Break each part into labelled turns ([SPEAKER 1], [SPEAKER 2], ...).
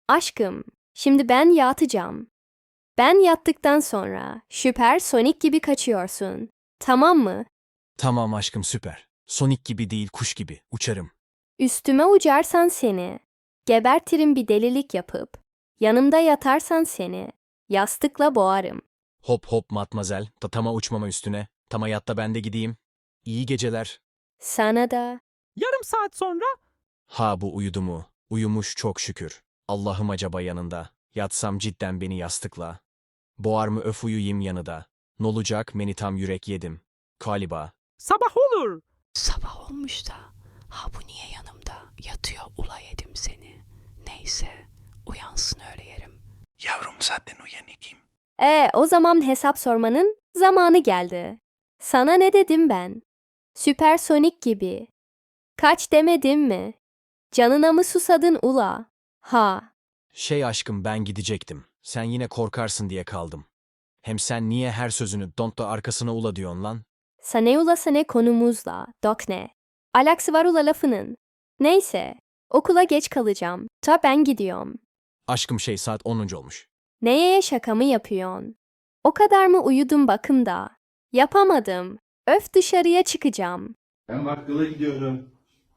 [SPEAKER 1] Aşkım, şimdi ben yatacağım. Ben yattıktan sonra süpersonic gibi kaçıyorsun. Tamam mı?
[SPEAKER 2] Tamam aşkım süper. Sonic gibi değil kuş gibi uçarım.
[SPEAKER 1] Üstüme uçarsan seni, gebertirim bir delilik yapıp, yanımda yatarsan seni, yastıkla boğarım.
[SPEAKER 2] Hop hop matmazel. Tama uçmama üstüne. Tama yatta ben de gideyim. İyi geceler.
[SPEAKER 1] Sana da.
[SPEAKER 3] Yarım saat sonra
[SPEAKER 2] Ha bu uyudu mu? Uyumuş çok şükür. Allah'ım acaba yanında. Yatsam cidden beni yastıkla. Boğar mı öf uyuyayım yanıda. Nolacak meni tam yürek yedim. Galiba.
[SPEAKER 3] sabah olur.
[SPEAKER 4] Sabah olmuş da, ha bu niye yanımda yatıyor ula yedim seni. Neyse, uyansın öyle yerim.
[SPEAKER 5] Yavrum zaten uyanıkım.
[SPEAKER 1] O zaman hesap sormanın zamanı geldi. Sana ne dedim ben? Süpersonik gibi. Kaç demedim mi? Canına mı susadın ula? Ha,
[SPEAKER 2] Şey aşkım ben gidecektim. Sen yine korkarsın diye kaldım. Hem sen niye her sözünü don't da arkasına ula diyorsun lan?
[SPEAKER 1] sane ula sane konumuzla, dok ne? Alaksı var ula lafının. Neyse, okula geç kalacağım. Ta ben gidiyorum.
[SPEAKER 2] Aşkım şey saat 10. olmuş.
[SPEAKER 1] Neye şaka mı yapıyorsun? O kadar mı uyudum bakımda? Yapamadım. Öf dışarıya çıkacağım.
[SPEAKER 6] Ben bakkala gidiyorum.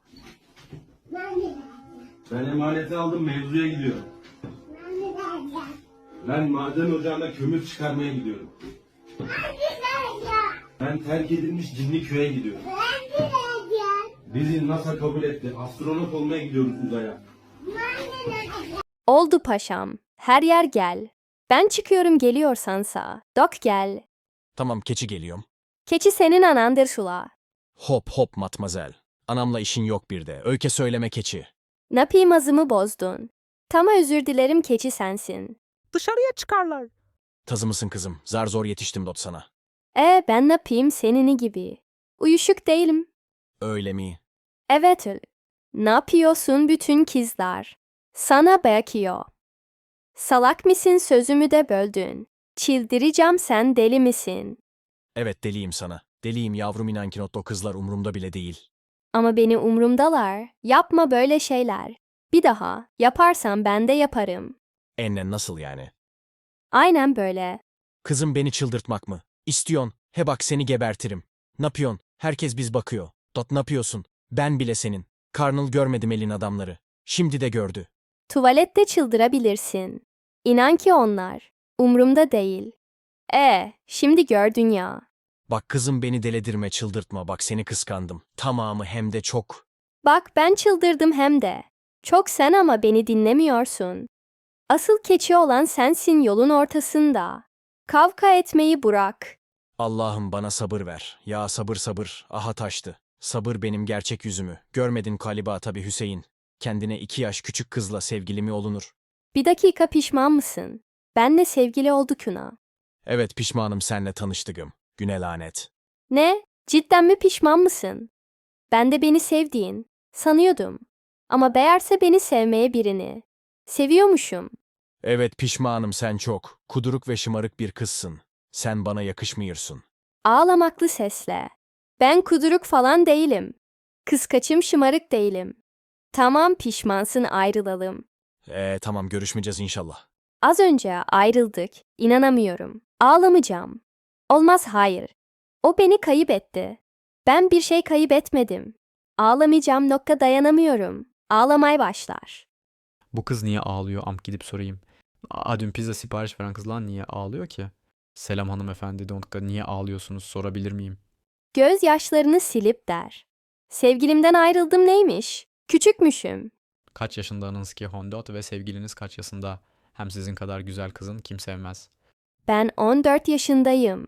[SPEAKER 6] Ben emaneti aldım mevzuya gidiyorum. Ben maden ocağına kömür çıkarmaya gidiyorum. Ben terk edilmiş cinli köye gidiyorum. Bizi NASA kabul etti. Astronot olmaya gidiyoruz uzaya.
[SPEAKER 1] Oldu paşam. Her yer gel. Ben çıkıyorum geliyorsansa. Dok gel.
[SPEAKER 2] Tamam keçi geliyorum.
[SPEAKER 1] Keçi senin anandır şula.
[SPEAKER 2] Hop hop matmazel. Anamla işin yok bir de. Öykü söyleme keçi.
[SPEAKER 1] Napim azımı bozdun. Tama özür dilerim keçi sensin.
[SPEAKER 3] Dışarıya çıkarlar.
[SPEAKER 2] Tazı mısın kızım? Zar zor yetiştim dot sana.
[SPEAKER 1] Ben napim senini gibi. Uyuşuk değilim.
[SPEAKER 2] Öyle mi?
[SPEAKER 1] Evet öyle. Ne yapıyorsun bütün kızlar? Sana bakıyor. Salak mısın sözümü de böldün. Çildireceğim sen deli misin?
[SPEAKER 2] Evet deliyim sana. Deliyim yavrum inan ki not o kızlar umurumda bile değil.
[SPEAKER 1] Ama beni umrumdalar. Yapma böyle şeyler. Bir daha yaparsan ben de yaparım.
[SPEAKER 2] Ennen nasıl yani?
[SPEAKER 1] Aynen böyle.
[SPEAKER 2] Kızım beni çıldırtmak mı? İstiyon. He bak seni gebertirim. Napyon. Herkes biz bakıyor. Dot napıyorsun? Ben bile senin. Karnıl görmedim elin adamları. Şimdi de gördü.
[SPEAKER 1] Tuvalette çıldırabilirsin. İnan ki onlar. Umrumda değil. Şimdi gördün ya.
[SPEAKER 2] Bak kızım beni deledirme çıldırtma bak seni kıskandım. Tamamı hem de çok.
[SPEAKER 1] Bak ben çıldırdım hem de. Çok sen ama beni dinlemiyorsun. Asıl keçi olan sensin yolun ortasında. Kavga etmeyi bırak.
[SPEAKER 2] Allah'ım bana sabır ver. Ya sabır sabır. Aha taştı. Sabır benim gerçek yüzümü. Görmedin galiba tabii Hüseyin. Kendine 2 yaş küçük kızla sevgili mi olunur?
[SPEAKER 1] Bir dakika pişman mısın? Benle sevgili olduk Kuna.
[SPEAKER 2] Evet pişmanım senle tanıştığım. Güne lanet.
[SPEAKER 1] Ne? Cidden mi pişman mısın? Ben de beni sevdiğin sanıyordum. Ama meğerse beni sevmeye birini. Seviyormuşum.
[SPEAKER 2] Evet pişmanım sen çok. Kuduruk ve şımarık bir kızsın. Sen bana yakışmıyorsun.
[SPEAKER 1] Ağlamaklı sesle. Ben kuduruk falan değilim. Kıskaçım şımarık değilim. Tamam pişmansın ayrılalım.
[SPEAKER 2] Tamam görüşmeyeceğiz inşallah.
[SPEAKER 1] Az önce ayrıldık. İnanamıyorum. Ağlamayacağım. Olmaz hayır. O beni kayıp etti. Ben bir şey kayıp etmedim. Ağlamayacağım nokta dayanamıyorum. Ağlamaya başlar.
[SPEAKER 7] Bu kız niye ağlıyor? Amk gidip sorayım. Dün pizza sipariş veren kız lan niye ağlıyor ki? Selam hanımefendi. Donka niye ağlıyorsunuz sorabilir miyim?
[SPEAKER 1] Gözyaşlarını silip der. Sevgilimden ayrıldım neymiş? Küçükmüşüm.
[SPEAKER 7] Kaç yaşındanız ki Hondot ve sevgiliniz kaç yaşında? Hem sizin kadar güzel kızın kim sevmez?
[SPEAKER 1] Ben 14 yaşındayım.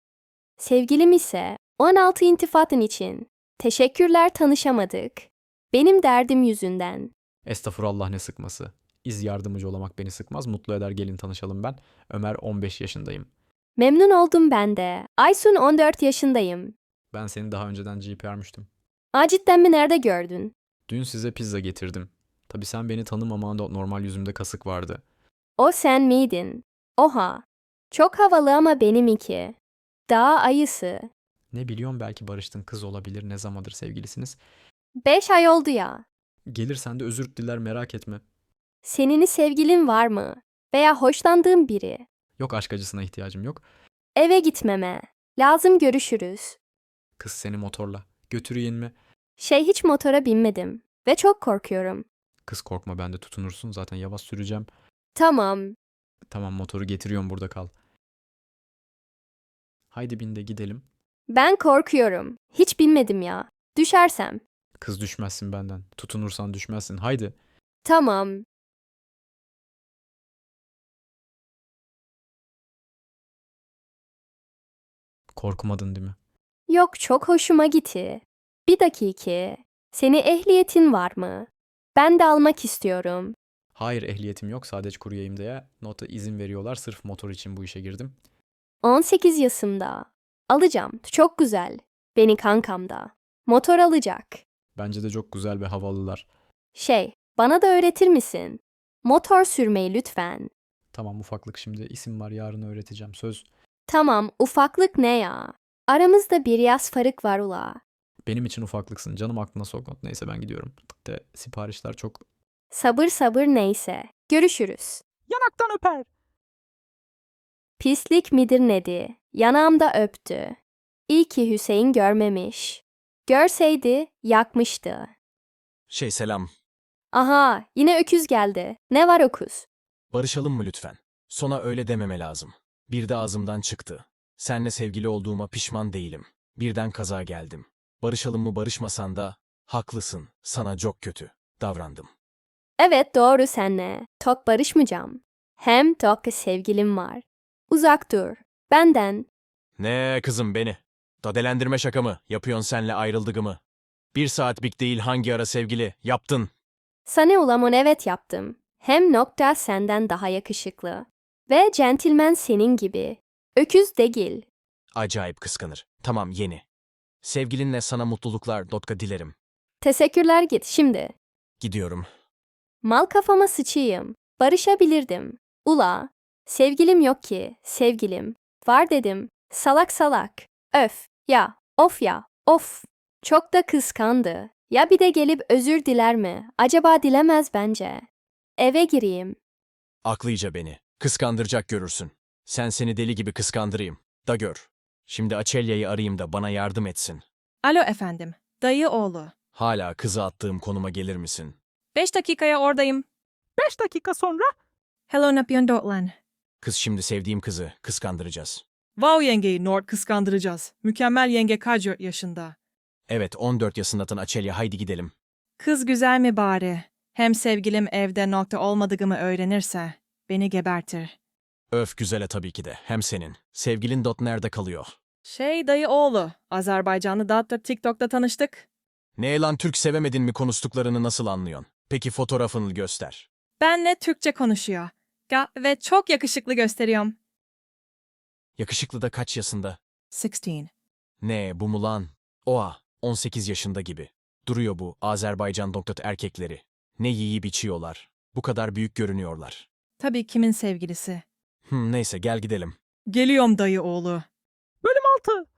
[SPEAKER 1] Sevgilim ise 16 intifatın için. Teşekkürler tanışamadık. Benim derdim yüzünden.
[SPEAKER 7] Estağfurullah ne sıkması. İz yardımcı olmak beni sıkmaz. Mutlu eder gelin tanışalım ben. Ömer 15 yaşındayım.
[SPEAKER 1] Memnun oldum ben de. Aysun 14 yaşındayım.
[SPEAKER 7] Ben seni daha önceden GPR'mıştım.
[SPEAKER 1] Cidden mi nerede gördün?
[SPEAKER 7] Dün size pizza getirdim. Tabii sen beni tanımaman da normal yüzümde kasık vardı.
[SPEAKER 1] O sen miydin? Oha. Çok havalı ama benimki. Dağ ayısı.
[SPEAKER 7] Ne biliyorum belki barıştın kız olabilir ne zamandır sevgilisiniz.
[SPEAKER 1] 5 ay oldu ya.
[SPEAKER 7] Gelirsen de özür diler merak etme.
[SPEAKER 1] Senin sevgilin var mı? Veya hoşlandığın biri?
[SPEAKER 7] Yok, aşk acısına ihtiyacım yok.
[SPEAKER 1] Eve gitmeme. Lazım, görüşürüz.
[SPEAKER 7] Kız seni motorla götüreyim mi?
[SPEAKER 1] Hiç motora binmedim ve çok korkuyorum.
[SPEAKER 7] Kız korkma, ben de tutunursun. Zaten yavaş süreceğim.
[SPEAKER 1] Tamam.
[SPEAKER 7] Tamam, motoru getiriyorum, burada kal. Haydi bin de gidelim.
[SPEAKER 1] Ben korkuyorum. Hiç binmedim ya. Düşersem.
[SPEAKER 7] Kız düşmezsin benden. Tutunursan düşmezsin. Haydi.
[SPEAKER 1] Tamam.
[SPEAKER 7] Korkmadın değil mi?
[SPEAKER 1] Yok, çok hoşuma gitti. Bir dakika. Senin ehliyetin var mı? Ben de almak istiyorum.
[SPEAKER 7] Hayır, ehliyetim yok. Sadece kuryeyim diye nota izin veriyorlar. Sırf motor için bu işe girdim.
[SPEAKER 1] 18 yaşında. Alacağım. Çok güzel. Beni kankam da. Motor alacak.
[SPEAKER 7] Bence de çok güzel ve havalılar.
[SPEAKER 1] Bana da öğretir misin? Motor sürmeyi lütfen.
[SPEAKER 7] Tamam, ufaklık, şimdi isim var, yarın öğreteceğim. Söz.
[SPEAKER 1] Tamam, ufaklık ne ya? Aramızda bir yaş fark var ula.
[SPEAKER 7] Benim için ufaklıksın. Canım aklına sokma. Neyse, ben gidiyorum. De siparişler çok...
[SPEAKER 1] Sabır sabır neyse. Görüşürüz.
[SPEAKER 3] Yanaktan öper.
[SPEAKER 1] Pislik midir nedi? Yanağımda öptü. İyi ki Hüseyin görmemiş. Görseydi yakmıştı.
[SPEAKER 2] Selam.
[SPEAKER 1] Aha, yine öküz geldi. Ne var öküz?
[SPEAKER 2] Barışalım mı lütfen? Sona öyle dememe lazım. Bir de ağzımdan çıktı. Senle sevgili olduğuma pişman değilim. Birden kaza geldim. Barışalım mı, barışmasan da haklısın. Sana çok kötü davrandım.
[SPEAKER 1] Evet, doğru senle. Tok barışmayacağım. Hem tok sevgilim var. Uzak dur. Benden.
[SPEAKER 2] Ne kızım beni? Dadelendirme şaka mı? Yapıyorsun senle ayrıldığımı. 1 saatlik değil, hangi ara sevgili? Yaptın.
[SPEAKER 1] Sana ulamon evet yaptım. Hem nokta senden daha yakışıklı. Ve centilmen senin gibi. Öküz değil.
[SPEAKER 2] Acayip kıskanır. Tamam, yeni. Sevgilinle sana mutluluklar dilerim.
[SPEAKER 1] Teşekkürler, git şimdi.
[SPEAKER 2] Gidiyorum.
[SPEAKER 1] Mal kafama sıçayım. Barışabilirdim. Ula. Sevgilim yok ki. Sevgilim. Var dedim. Salak salak. Öf. Ya. Of ya. Of. Çok da kıskandı. Ya bir de gelip özür diler mi? Acaba dilemez bence. Eve gireyim.
[SPEAKER 2] Aklıca beni. Kıskandıracak görürsün. Seni deli gibi kıskandırayım. Da gör. Şimdi Açelya'yı arayayım da bana yardım etsin.
[SPEAKER 8] Alo efendim, dayı oğlu.
[SPEAKER 2] Hala kızı attığım konuma gelir misin?
[SPEAKER 8] 5 dakikaya oradayım.
[SPEAKER 3] 5 dakika sonra
[SPEAKER 8] Hello napyon Dotlan.
[SPEAKER 2] Kız şimdi sevdiğim kızı kıskandıracağız.
[SPEAKER 8] Wow yengeyi Nord kıskandıracağız. Mükemmel yenge kaç yaşında.
[SPEAKER 2] Evet, 14 yaşındatan Açelya, haydi gidelim.
[SPEAKER 8] Kız güzel mi bari? Hem sevgilim evde nokta olmadığımı öğrenirse beni gebertir.
[SPEAKER 2] Öf, güzele tabii ki de. Hem senin. Sevgilin nerede kalıyor?
[SPEAKER 8] Dayı oğlu, Azerbaycanlı da TikTok'ta tanıştık.
[SPEAKER 2] Ne lan, Türk sevemedin mi, konuştuklarını nasıl anlıyorsun? Peki fotoğrafını göster.
[SPEAKER 8] Benle Türkçe konuşuyor. Ve çok yakışıklı gösteriyorum.
[SPEAKER 2] Yakışıklı da kaç yaşında?
[SPEAKER 8] 16.
[SPEAKER 2] Ne bu mu lan? Oha, 18 yaşında gibi. Duruyor bu Azerbaycan erkekleri. Ne yiyip içiyorlar. Bu kadar büyük görünüyorlar.
[SPEAKER 8] Tabii kimin sevgilisi.
[SPEAKER 2] Neyse, gel gidelim.
[SPEAKER 8] Geliyorum dayı oğlu.
[SPEAKER 3] bölüm 6.